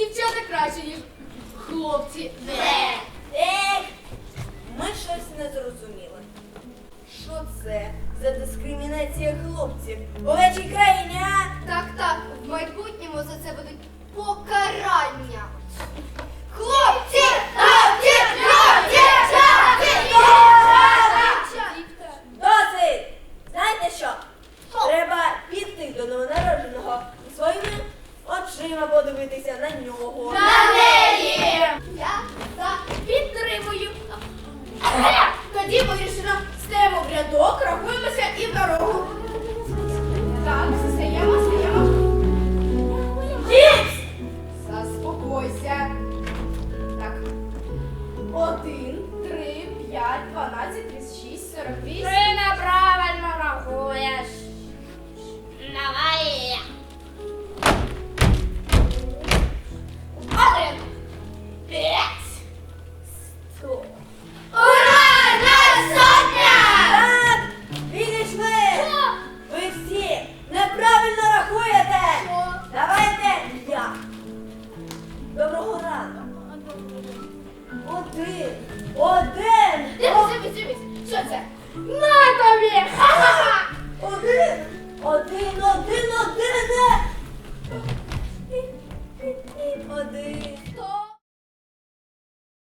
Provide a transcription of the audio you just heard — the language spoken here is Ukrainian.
дівчата краще, ніж хлопці. Ми щось не зрозуміли. Що це за дискримінація хлопців у нашій країні, а? Так, в майбутньому за це будуть покарання. Хлопці! Досить! Знаєте що? Треба піти до новонародженого і своїми очима подивитися на нього. На неї! Я підтримую. Тоді вирішено, стаємо в рядок, рахуємося і в дорогу. Так, стаємо. Гіпс! Заспокойся. Так. 1, 3, 5, 12, 36, 48. Ти неправильно рахуєш. Давай. 1, 5, 100. Ура! Нас сотня! Так! Відійшли! Ви всі неправильно рахуєте! Що? Давайте я. Доброго ранку. Один. Дивись. Що це? На тобі! Ха-ха-ха!